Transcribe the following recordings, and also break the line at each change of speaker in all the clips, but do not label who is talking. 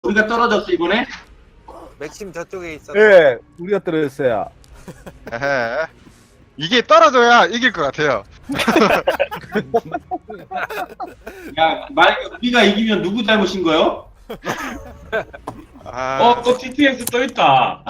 우리가 떨어졌어 이번에?
맥심 저쪽에 있었어.
예, 우리가 떨어졌어요.
에헤. 이게 떨어져야 이길 것 같아요.
야, 만약에 우리가 이기면 누구 잘못인 거요?
아,
또 TTS 또 있다.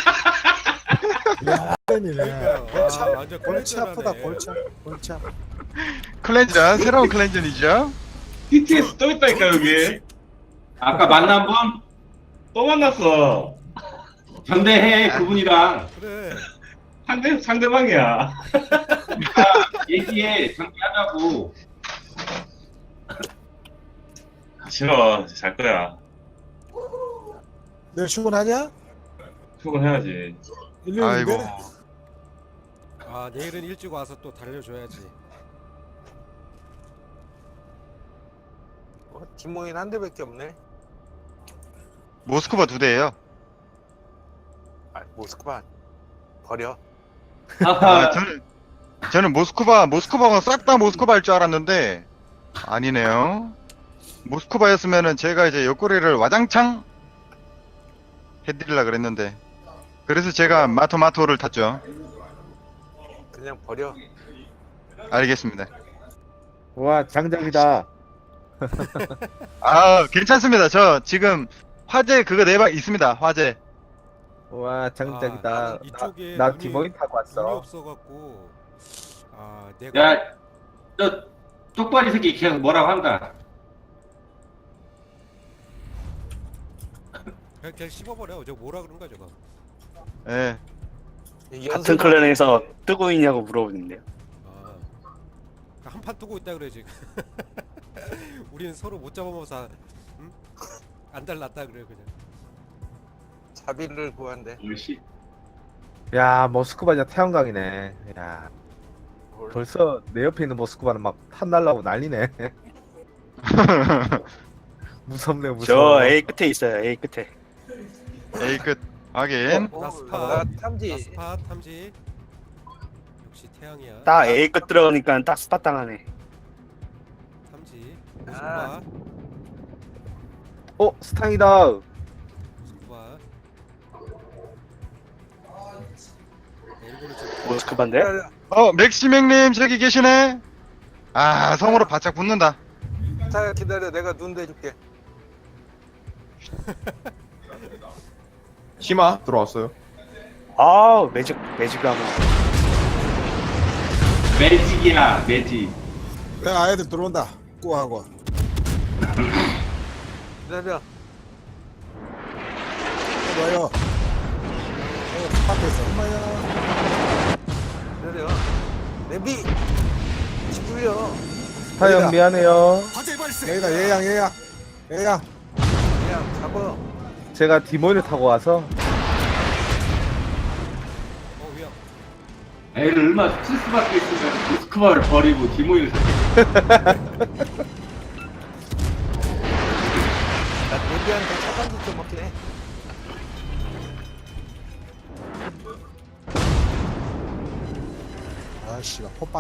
네.
완전
골치 아프다
콜렉션하네.
골치 아파.
클렌전, 새로운 클렌전이죠.
TTS 또 있다니까 여기. 아까 만난 분? 또 만났어. 전대해 그분이랑
그래.
상대방이야. 얘기해 상대하자고. 싫어 잘 거야.
내일 출근하냐?
출근해야지.
아이고.
일요일인데?
아 내일은 일찍 와서 또 달려줘야지.
뒷모인 한 대밖에 없네.
모스크바 2대예요.
아, 모스크바 버려.
아, 저는 모스크바가 싹 다 모스크바일 줄 알았는데 아니네요. 모스크바였으면은 제가 이제 옆구리를 와장창 해드리려 그랬는데 그래서 제가 마토를 탔죠.
그냥 버려.
알겠습니다.
와, 장작이다.
아, 괜찮습니다. 저 지금 화재 그거 4방 있습니다. 화재.
와, 장작이다.
나는 이쪽에
나
눈이-
디모인 타고
눈이
왔어.
없어갖고 아 내가
야, 저 쪽발이 새끼 계속 뭐라고 한다.
그냥 씹어버려. 저 뭐라 그런 거야 저거.
예.
같은 클랜에서 뜨고 있냐고 물어보는데요.
아, 한판 뜨고 있다 그래 지금. 우리는 서로 못 잡아먹어서 응? 안 달랐다 그래 그냥.
자비를 구한대.
옳지.
야, 모스크바냐 태양광이네. 야, 벌써 내 옆에 있는 모스크바는 막 탄 날라고 난리네. 무섭네,
저
무서워.
A 끝에 있어요. A 끝에.
에이 끝. 확인.
나 스파.
나 탐지.
나 스파 탐지. 역시 태양이야.
딱 A 끝 들어가니까 딱 스팟 당하네.
탐지.
아.
스파.
스탕이다.
스파. 일본은 좀
모스크바인데?
맥시맹님 저기 계시네. 아, 성으로 바짝 붙는다.
자 기다려. 내가 눈 대줄게.
심화 들어왔어요.
아 매직 가면.
매직이야 매직.
내 아이들 들어온다. 꾸하고.
기다려.
와요. 스팟에서 엄마야.
기다려. 내비. 지불려.
스타형 미안해요.
얘가 얘양.
그냥 잡아.
제가 디모인을 타고 와서
위험.
애를 얼마나 스트레스 받고 있으면 모스크바를 버리고 디모인을
나 내비한테 차단지 좀 먹긴 해.
아씨가 포빠.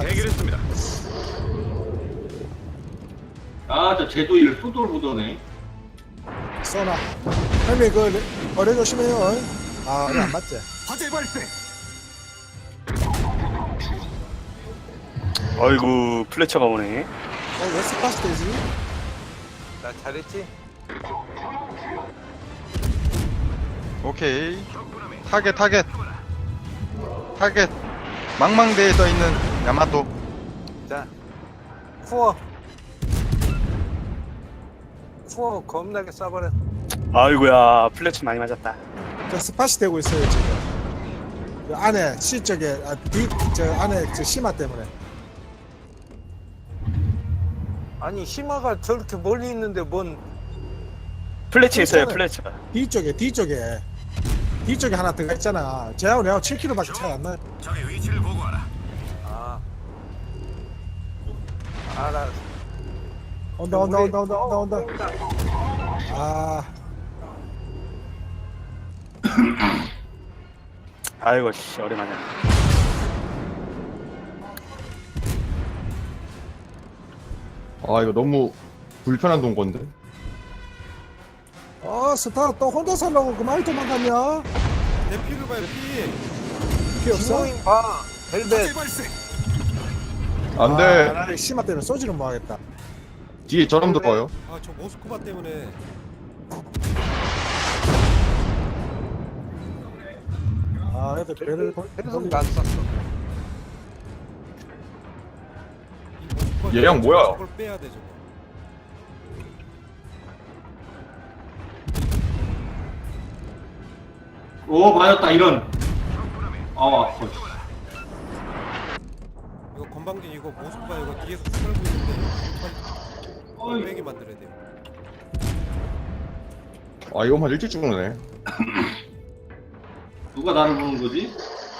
아저 제도일 소돌 보더네.
써놔. 형님 그 어뢰 조심해요. 아, 이거 안 맞지?
어이구 플래처가 오네.
왜 스팟이 되지?
나 잘했지?
오케이. 타겟. 망망대에 떠 있는 야마토.
자. 쿠어. 쿠어 겁나게 쏴버려.
아이구야 플래처 많이 맞았다.
저 스팟이 되고 있어요 지금. 그 안에 C 쪽에 저 안에 저 심화 때문에.
아니 심화가 저렇게 멀리 있는데 뭔
플래처 있어요.
괜찮아요.
플래처.
뒤쪽에 하나 들어가 있잖아. 쟤하고 내하고 7km밖에 차이 안 나요.
아. 알아.
온다. 아,
아이고 씨 오랜만에.
아 이거 너무 불편한 동건데.
스타 또 혼자 살라고 그만 도망가냐?
내 피를 봐요 피.
피 없어?
디모인 봐. 벨벳.
안 돼.
아, 나는 심화 때문에 소지는 뭐 하겠다.
뒤에 저놈 들어와요.
아 저 모스크바 때문에.
아, 애들 배를
계속 난 쐈어.
이 모스크바
얘랑 뭐야?
저걸 빼야 돼 저거.
오 맞았다 이런. 아파.
이거 건방진 이거 모스크바 이거 뒤에서 털고 있는데
어이.
빼게 만들어야 돼요.
아 이거만 일찍 죽네.
누가 나를 보는 거지?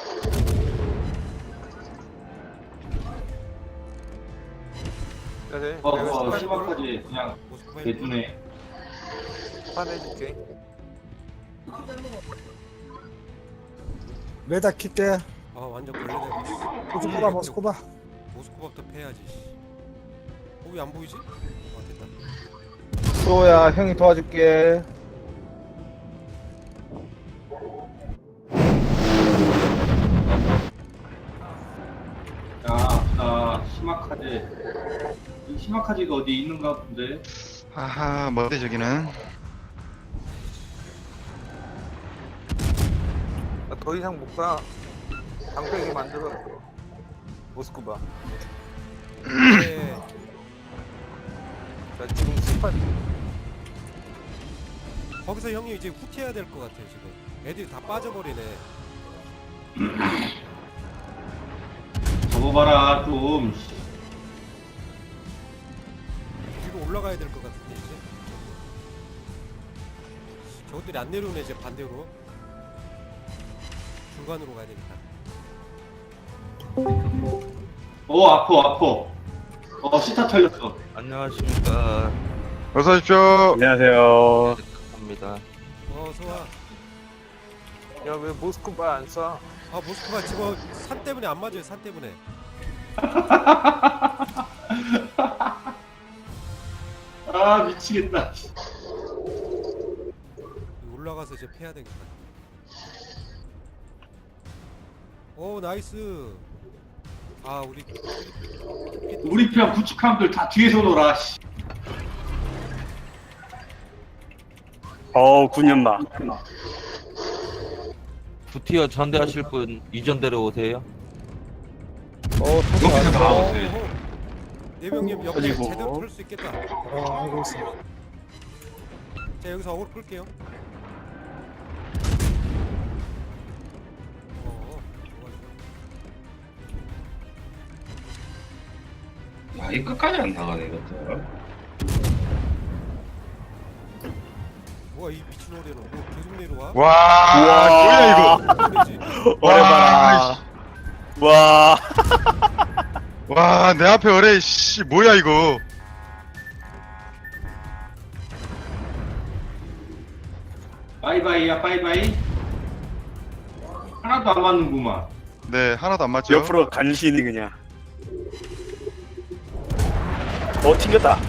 그래.
심각하지 그냥
모스크바
대두네.
판해줄게.
레다 킬게.
아 완전 걸레대고.
모스크바 모스크바.
모스크바부터 패야지. 거기 안 보이지? 아 됐다.
수호야 형이 도와줄게.
야, 시마카제. 이 시마카제가 어디 있는가 본데.
아하 뭐지 저기는.
나 더 이상 못 가. 방패기 만들어. 모스크바.
네.
나 지금 18.
거기서 형이 이제 후퇴해야 될 것 같아요 지금. 애들이 다 빠져버리네.
접어봐라 좀.
위로 올라가야 될 것 같은데 이제. 저것들이 안 내려오네 이제 반대로. 중간으로 가야 되겠다.
오 아파. 시타 털렸어.
안녕하십니까.
어서 오십시오.
안녕하세요.
합니다.
어서 와.
야, 왜 모스크바 안 쏴?
아 모스크바 지금 산 때문에 안 맞아요 산 때문에.
아 미치겠다.
올라가서 이제 패야 되겠다. 오 나이스. 아
우리 편 구축함들 다 뒤에서 놀아. 씨.
군연마.
부티어 전대하실 분 이전대로 오세요.
터져 왔어.
네 명님 옆에
터지고.
제대로 풀 수 있겠다.
알고 있어.
자 여기서 어그로 끌게요.
아, 이 끝까지 안 나가네 이것도.
뭐야 이 미친 오래는 뭐 계속 내려와?
와 뭐야 이거.
그러지?
오래봐라. 와.
와 내 앞에 어레 씨 뭐야 이거.
바이바이야 바이바이. 하나도 안 맞는구만.
네 하나도 안 맞죠.
옆으로 간신히 그냥. 튕겼다.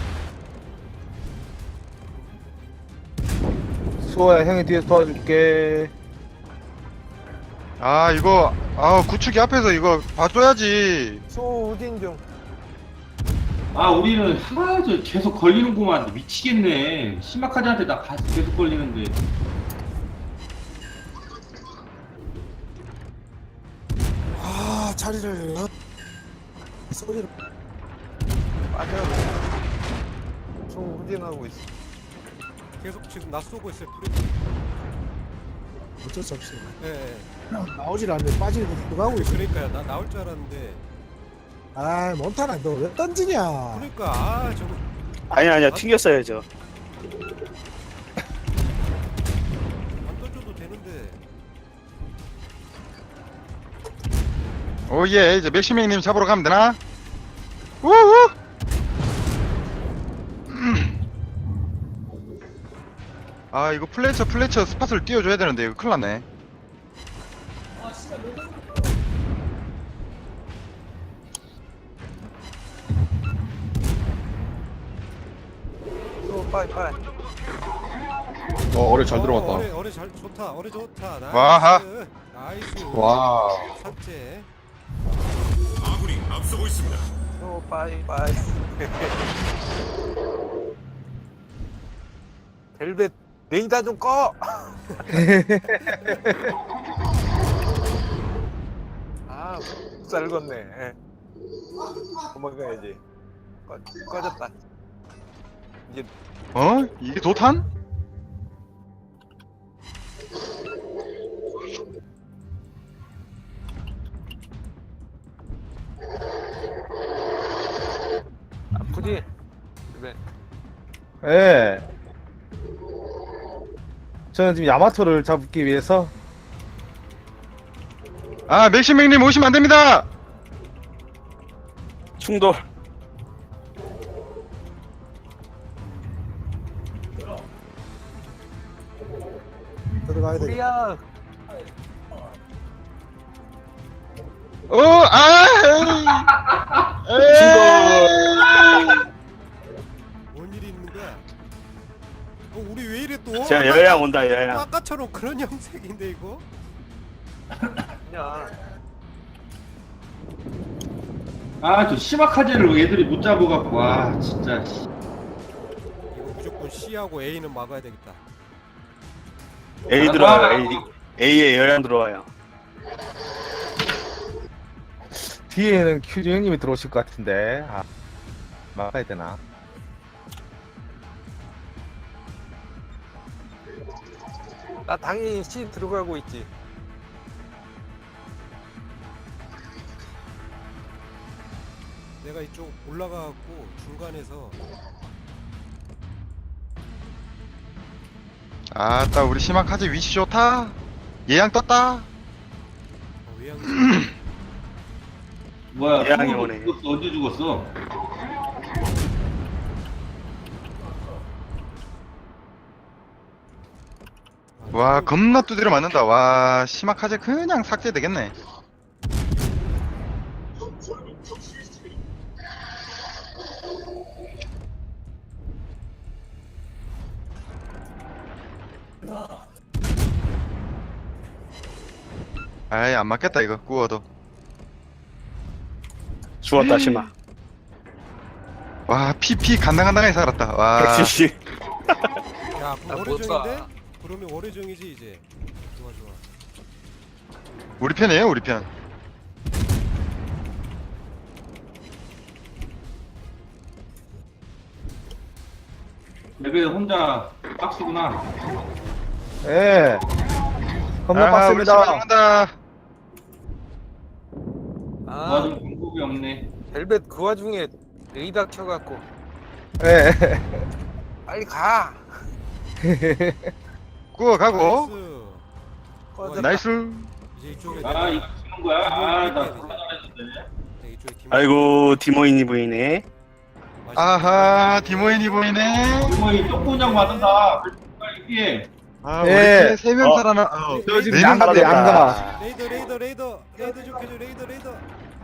수호야 형이 뒤에서 도와줄게.
아 이거 구축이 앞에서 이거 봐줘야지.
소 우진 중.
아 우리는 하나도 계속 걸리는구만. 미치겠네. 시마카제한테 나 계속 걸리는데.
아, 자리를 소리를
빠져. 소 우진하고 있어.
계속 지금 나 쏘고 있어요 프레디.
어쩔 수 없어.
예.
나오질 않는데 빠지고 들어가고 있어.
그러니까요 나 나올 줄 알았는데.
아, 몬타나 너 왜 던지냐?
그러니까 아 저거
아니야 튕겼어야죠.
안 던져도 되는데.
오예 이제 맥시맹님 잡으러 가면 되나? 우후. 아 이거 플래처 스팟을 띄워줘야 되는데 이거 큰일 났네.
소 빠이빠이.
어뢰 잘 들어갔다.
어뢰 잘 좋다. 어뢰 좋다. 나이스.
와하.
나이스.
와.
삭제.
오 빠이빠이. 벨벳 레이더 좀 꺼. 아, 쌀겄네. 도망가야지. 꺼졌다. 이제
어? 이게 도탄?
아프지? 벨벳.
예. 저는 지금 야마토를 잡기 위해서
아 맥시맥님 오시면 안 됩니다.
충돌.
들어가야 돼.
우리야.
뭔 일이 있는 거야? 우리 왜 이래 또?
자, 여양 온다, 여양.
아까처럼 그런 형색인데 이거?
그냥
아, 저 시마카제를 애들이 못 잡아갖고, 와, 진짜.
이거 무조건 C하고 A는 막아야 되겠다.
A 들어와요, A에 여양 들어와요.
뒤에는 큐즈 형님이 들어오실 것 같은데 막아야 되나?
나 당연히 C 들어가고 있지.
내가 이쪽 올라가갖고 중간에서
아따 우리 시마카제 위치 좋다. 예양 떴다.
외양
뭐야,
예양이
죽었어,
오네.
죽었어, 언제 죽었어?
와 겁나 두드려 맞는다. 와 시마카제 그냥 삭제 되겠네. 아이 안 맞겠다 이거 구워도.
죽었다, 심아.
와 PP 간당간당하게 살았다. 와
170.
야
나
그럼
못
월요정인데?
사.
그러면 월요정이지 이제. 좋아 좋아.
우리 편이에요 우리 편.
레벨 혼자 박스구나.
예. 겁나
아, 우리
빡습니다.
시마간다.
아,
도와줄 방법이 없네.
벨벳 그 와중에 레이더 켜갖고
예.
빨리 가.
구워 가고.
나이스.
꺼졌다.
나이스.
이제 이쪽에
아, 이거 치는 거야? 아, 나 졸라 잘했는데.
네, 이쪽에 팀.
아이고, 디모인이 보이네.
아하 디모인이 보이네.
이모이 똥구냥 맞는다. 빨리 피해.
아
예.
우리 세명
어.
살아나.
저 지금
네
양가다
명
양가.
레이더 좀 켜줘. 레이더.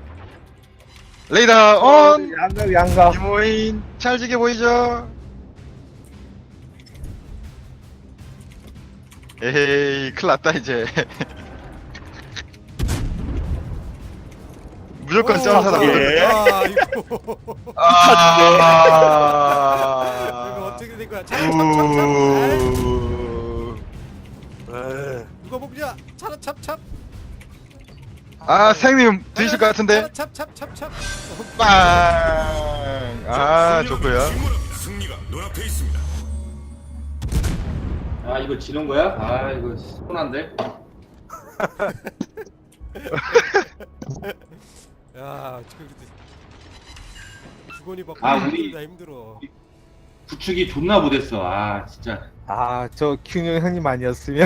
레이더 온.
양가.
디모인 찰지게 보이죠? 에헤이 큰일났다 이제. 무조건 점사다.
예.
아 이거 이거 어떻게 된 거야? 참. 누가 먹냐? 차라 찹찹.
아 생님 드실 것 같은데.
찹찹.
빵. 아 좋고요.
아, 이거 지는 거야? 아, 이거 손한데.
야 지금 주거니 받고
아, 우리-
힘들어.
구축이 존나 못했어. 아, 진짜.
저 큐즈 형님 아니었으면.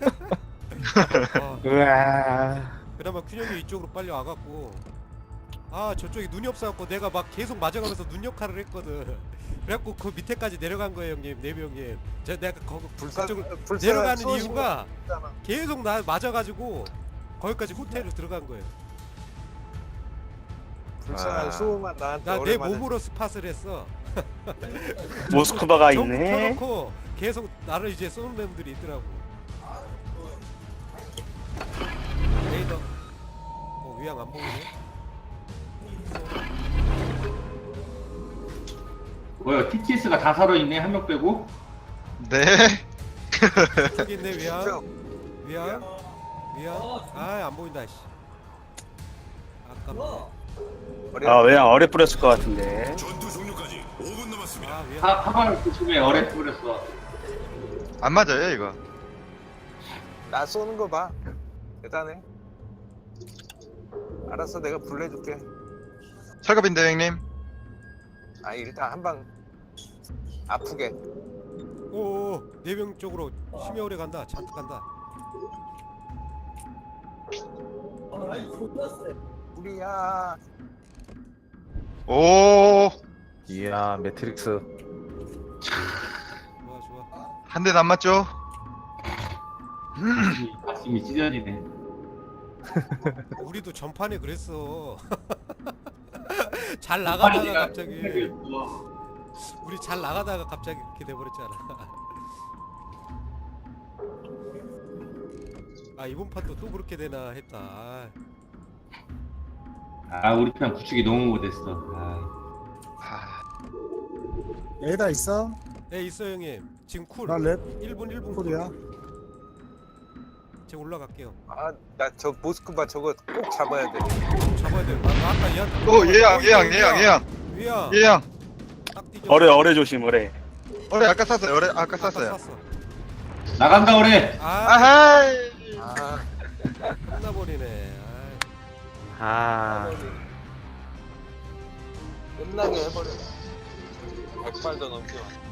아,
으아.
그나마 균형이 이쪽으로 빨리 와갖고 아 저쪽에 눈이 없어갖고 내가 막 계속 맞아가면서 눈 역할을 했거든. 그래갖고 그 밑에까지 내려간 거예요 형님. 네비 형님. 내가 거기 그쪽으로 내려가는 이유가 계속 나 맞아가지고 거기까지 호텔로 들어간 거예요.
불쌍한
아.
수호만 나한테
나 내
오랜만에
몸으로 스팟을 했어.
모스크바가
정
있네.
켜놓고 계속 나를 이제 쏘는 놈들이 있더라고. 레이더. 위양 안 보이네.
뭐야 TTS가 다 살아있네 한 명 빼고.
네.
저기 있네 위양.
저,
위양. 위양. 아 안 보인다 씨. 아깝네.
아 왜냐 어뢰 뿌렸을 것 같은데.
아 위양.
하발 조심해 어뢰 뿌렸어.
안 맞아요 이거.
나 쏘는 거 봐. 대단해. 알았어, 내가 불러줄게.
철갑인데 형님.
아, 일단 한 방 아프게.
오, 내병 쪽으로 심해 오래 간다. 잔뜩 간다.
우리야.
오.
이야 매트릭스.
좋아 좋아.
한 대도 안 맞죠?
가슴이 찢어지네.
우리도 전판에 그랬어. 잘 나가다가 갑자기 우리 잘 나가다가 갑자기 이렇게 돼버렸잖아. 아 이번 판도 또 그렇게 되나 했다.
아 우리 편 구축이 너무 못했어. 아.
에이다 있어?
네 있어 형님. 지금 쿨.
나 랩
1분
쿨이야.
제가 올라갈게요.
아, 나 저 모스크바 저거 꼭 잡아야 돼.
잡아야 돼요. 나 아까 얘한테.
오 예양.
위야. 딱 뒤져.
어뢰 조심 어뢰.
어뢰 아까 쐈어요. 어뢰 아까 쐈어요.
쐈어.
나간다 어뢰.
아,
아하이.
아,
끝나버리네.
아
끝나게 해버려. 100발도 넘겨.